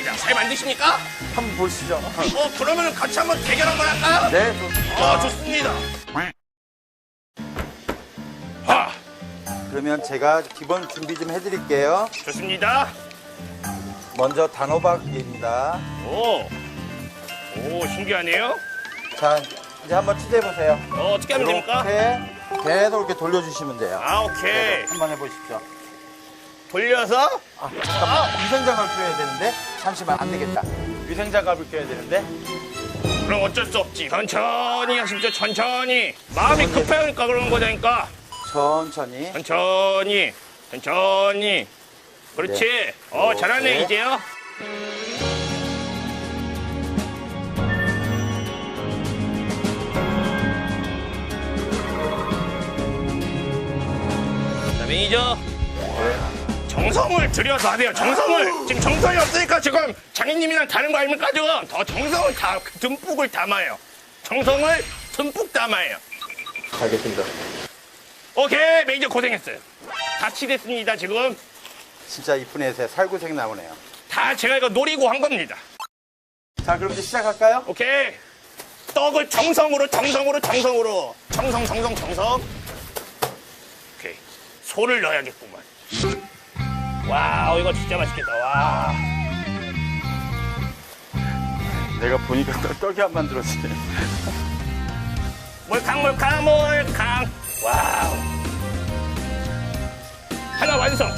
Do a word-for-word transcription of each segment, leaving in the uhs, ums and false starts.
좋습니다. 잘 만드십니까? 한번 보시죠. 어, 그러면 같이 한번 대결 한번 할까요? 네, 좋습니다. 어, 좋습니다. 하, 그러면 제가 기본 준비 좀 해드릴게요. 좋습니다. 먼저 단호박입니다. 오, 오, 신기하네요. 자, 이제 한번 취재해보세요. 어, 어떻게 하면 됩니까? 이렇게 계속 이렇게 돌려주시면 돼요. 아, 오케이. 한번 해보십시오. 돌려서. 아, 잠깐만. 위생장갑을 껴야 되는데? 잠시만, 안 되겠다. 위생장갑을 껴야 되는데? 그럼 어쩔 수 없지. 천천히 하십시오, 천천히. 마음이 급하니까 그러는 거다니까. 천천히. 천천히, 천천히. 그렇지. 네. 어, 잘하네, 네. 이제요. 자, 매니저. 정성을 들여서 하세요, 정성을. 지금 정성이 없으니까 지금 장인님이랑 다른 거 아닙니까, 지금? 더 정성을 다, 듬뿍을 담아요. 정성을 듬뿍 담아요. 알겠습니다. 오케이, 매니저 고생했어요. 다 치됐습니다, 지금. 진짜 이쁜 애새 살구색 나오네요. 다 제가 이거 노리고 한 겁니다. 자, 그럼 이제 시작할까요? 오케이. 떡을 정성으로, 정성으로, 정성으로. 정성, 정성, 정성. 오케이. 소를 넣어야겠구만. 와, 이거 진짜 맛있겠다. 와. 내가 보니까 떡- 떡이 안 만들어지네. 몰캉, 몰캉, 몰캉. 와우. 하나 완성.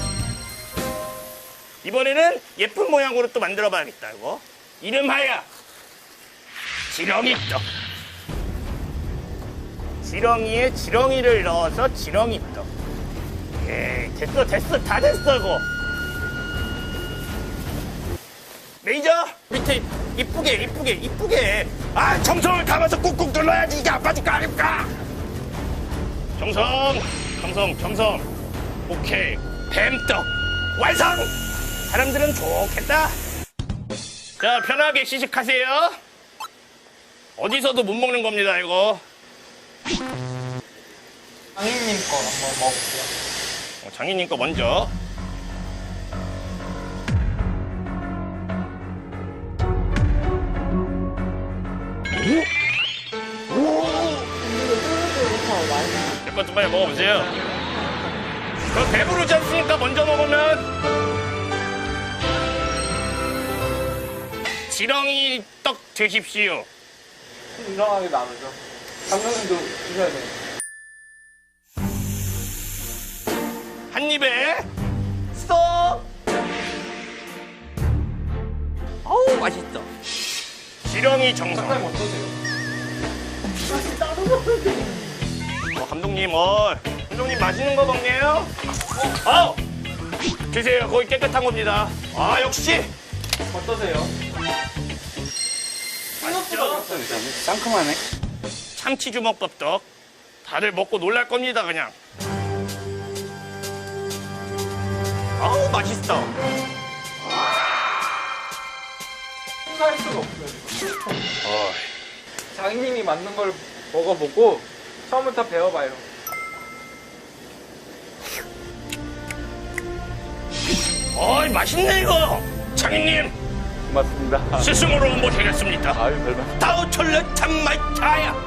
이번에는 예쁜 모양으로 또 만들어 봐야겠다, 이거. 이름하여 지렁이 떡. 지렁이에 지렁이를 넣어서 지렁이 떡. 에이, 됐어, 됐어, 다 됐어, 이거. 매니저, 밑에 이쁘게, 이쁘게, 이쁘게. 아, 정성을 담아서 꾹꾹 눌러야지 이게 안 빠질 거 아닙니까? 정성, 정성, 정성. 오케이, 뱀떡 완성! 사람들은 좋겠다. 자, 편하게 시식하세요. 어디서도 못 먹는 겁니다, 이거. 장인님 거 한번 먹어볼게요. 어, 장인님 거 먼저. 몇 번 좀 빨리 먹어보세요. 그럼 배부르지 않습니까? 먼저 먹으면. 지렁이 떡 드십시오. 좀 이상하게 나누죠. 감독님도 드셔야 돼요. 한 입에 스톱. 어우, 맛있어. 지렁이 정성. 사장님 어떠세요? 어, 감독님, 어, 감독님 맛있는 거 먹네요. 어, 드세요. 거기 깨끗한 겁니다. 아, 역시. 어떠세요? 맛있죠? 상큼하네. 참치 주먹밥떡. 다들 먹고 놀랄 겁니다, 그냥. 아우, 맛있어. 할 수가 없어요. 지금. 어, 장인님이 만든 걸 먹어보고 처음부터 배워봐요. 어이, 맛있네, 이거. 장인님, 고맙습니다. 스승으로 모시겠습니다. 아유, 별말. 다우철러 참말차야.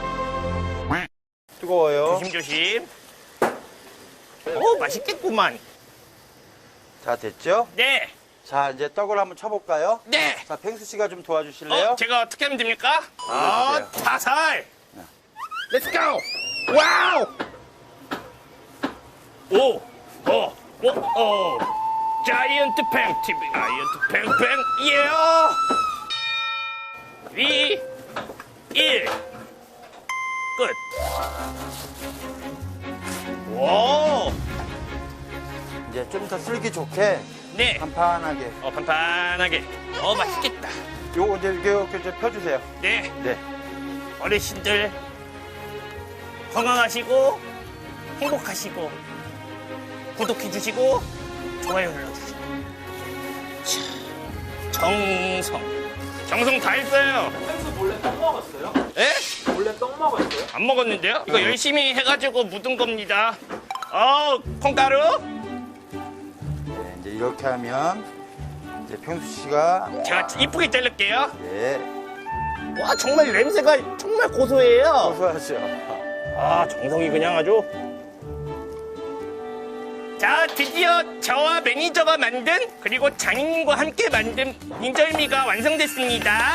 뜨거워요. 조심조심. 오, 맛있겠구만. 자, 됐죠? 네, 자, 이제 떡을 한번 쳐볼까요? 네. 자, 펭수 씨가 좀 도와주실래요? 어, 제가 어떻게 하면 됩니까? 아, 올려주세요. 다살. Let's go. 와우. 오, 오, 오, 오. 자이언트 팽 티비, 자이언트 팽팽, 예. 이, 일. 끝. 오, 이제 좀 더 쓸기 좋게 네. 판판하게. 어, 판판하게. 어, 맛있겠다. 요거 이제 이렇게, 이렇게 이제 펴주세요. 네. 네. 어르신들 건강하시고 행복하시고 구독해주시고 좋아요 눌러주시고 자, 정성 정성 다 했어요. 펭수 몰래 떡 먹었어요? 에? 몰래 떡 먹었어요? 안 먹었는데요? 이거 열심히 해가지고 묻은 겁니다. 어, 콩가루. 네, 이제 이렇게 하면 이제 네, 평수 씨가 제가 이쁘게 자를게요. 예, 와, 정말 냄새가 정말 고소해요. 고소하죠. 아, 정성이 그냥 아주. 자, 드디어 저와 매니저가 만든, 그리고 장인님과 함께 만든 인절미가 완성됐습니다.